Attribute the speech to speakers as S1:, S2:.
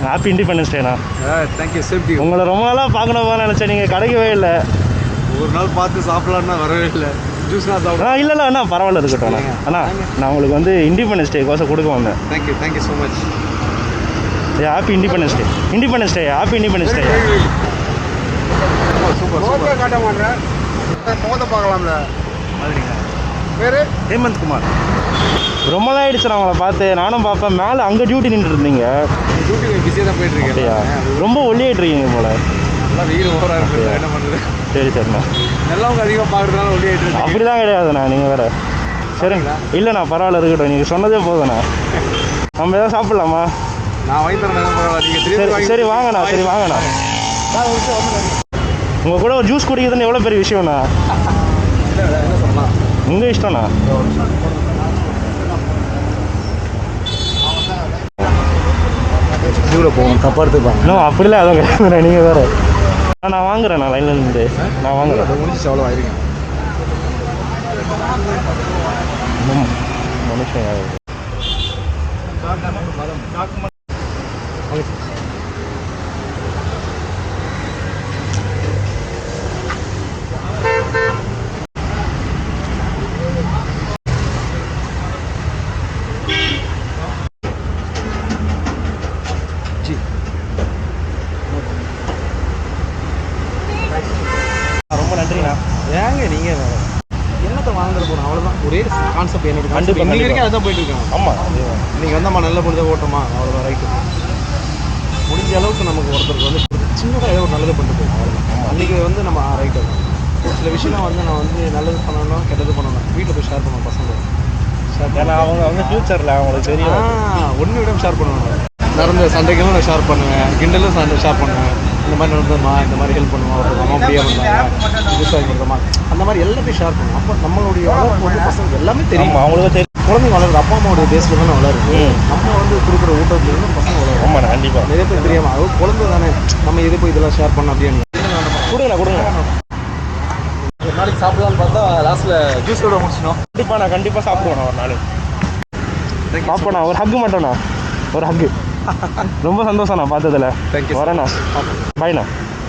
S1: Happy independence டேண்ணா.
S2: Thank you. Safety.
S1: உங்களை ரொம்ப நாளாக பார்க்கணுமா நினச்சேன், நீங்கள் கிடைக்கவே இல்லை.
S2: ஒரு நாள் பார்த்து சாப்பிட்லான்னா வரவே இல்லை. ஜூஸ்னா சாப்பிடலாம்.
S1: இல்லை அண்ணா பரவாயில்ல இருக்கட்டும் அண்ணா. அண்ணா நான் உங்களுக்கு வந்து இண்டிபெண்டன்ஸ் டே கோசம் கொடுக்க வந்தேன்.
S2: Thank you so much.
S1: Happy independence day. Independence day. Happy independence day.
S2: Super காட்ட மாட்டேன். மோத பார்க்கலாம்ல.
S1: மாதிரிங்க
S2: பேர்
S1: ஹேமந்த் குமார். ரொம்ப நாள் ஆயிடுச்சு நான் உங்களை பார்த்து. நானும் பார்ப்பேன், மேலே அங்கே டியூட்டி நின்று இருந்தீங்க.
S2: டியூட்டி பிஸியாக தான் போயிட்டுருக்கேன்.
S1: ரொம்ப ஒல்லியாயிட்டு இருக்கீங்க போல.
S2: நல்லா வெயில் ஓவராக இருக்குது, என்ன பண்ணுறது.
S1: சரிண்ணா.
S2: நல்லவங்க அதிகமாக பார்க்குறதுனால ஒல்லியாயிட்டு இருக்கு.
S1: அப்படி தான் கிடையாதுண்ணா, நீங்கள் வேறு. சரிங்களா? இல்லைண்ணா பரவாயில்ல இருக்கட்டும், நீங்கள் சொன்னதே போதுண்ணா. நம்ம எதாவது சாப்பிட்லாமா?
S2: நான் வாங்கி தரேன். பரவாயில்ல.
S1: சரி வாங்கண்ணா. சரி வாங்கண்ணா. உங்கள் கூட ஒரு ஜூஸ் குடிக்கிறதுன்னு எவ்வளோ பெரிய விஷயம்ண்ணா.
S2: என்ன சொல்லலாம்,
S1: உங்கள் இஷ்டம்ண்ணா.
S2: ஜூவில் போகணும், தப்பாக எடுத்துப்பாங்க.
S1: இன்னும் அப்படிலாம் எதுவும் கிடையாதுண்ணா, நீங்கள் வேறு. நான் வாங்குறேன், நான் லைனில் இருந்து நான் வாங்குறேன்.
S2: முடிச்சு எவ்வளோ ஆயிருங்க
S1: மனுஷன். ரொம்ப நன்றிண்ணா.
S2: ஏங்க நீங்கள் வேறு என்னத்தை வாங்குற போகணும், அவ்வளோதான். ஒரே கான்செப்ட் என்னோட கான்செப்ட் இன்னைக்கு வரைக்கும் அதுதான் போயிட்டு இருக்காங்க.
S1: ஆமாம்,
S2: இன்றைக்கி வந்தம்மா நல்ல பொழுது ஓட்டமா, அவ்வளோதான். ரைட்டு. முடிஞ்ச அளவுக்கு நமக்கு ஒருத்தருக்கு வந்து சின்னதாக ஏதோ ஒரு நல்லது பண்ணிட்டு போகும், அவ்வளோதான். அன்றைக்கி வந்து நம்ம ரைட்டு தான். சில விஷயம் வந்து நான் வந்து நல்லது பண்ணணும் கெட்டது பண்ணணும் வீட்டில் போய் ஷேர் பண்ணுவேன் பசங்க.
S1: ஏன்னா அவங்க ஃப்யூச்சரில் அவங்களுக்கு தெரியும்.
S2: ஒன்று விட ஷேர் பண்ணுவேன். நடந்த சண்டைகளும் நான் ஷேர் பண்ணுவேன், கிண்டலும் ஷேர் பண்ணுவேன். இந்த மாதிரி நடந்ததுமா, இந்த மாதிரி ஹெல்ப் பண்ணுவோம், ஒருத்தர் அம்மா அப்படியே பண்ணாங்க, விவசாயம் பண்ணுறோமா, அந்த மாதிரி எல்லாத்தையும் ஷேர் பண்ணுவோம். அப்போ நம்மளுடைய வளர்ப்பு வந்து பசங்க எல்லாமே தெரியும், அவங்களுக்கு தெரியும். குழந்தைங்க வளருது அப்பா அம்மாவுடைய பேஸில் தானே வளருது. நம்ம வந்து கொடுக்குற ஊட்டத்துலேருந்து பசங்க வளரும்.
S1: ஆமாம், கண்டிப்பாக.
S2: நிறைய பேர் தெரியாமல் அது குழந்தை தானே, நம்ம எது போய் இதெல்லாம் ஷேர் பண்ணோம் அப்படின்னு
S1: கொடுங்க.
S2: ஒரு நாளைக்கு சாப்பிடலான்னு பார்த்தா லாஸ்ட்டில் ஜூஸோட முடிச்சிடும்.
S1: கண்டிப்பாக சாப்பிடுவேண்ணா ஒரு நாள். பார்ப்போண்ணா, ஒரு ஹக்கு மட்டும்ண்ணா, ஒரு ஹக்கு. ரொம்ப சந்தோஷம்ண்ணா பார்த்ததில்ல.
S2: தேங்க்யூ.
S1: வரேண்ணா. பாய்ண்ணா.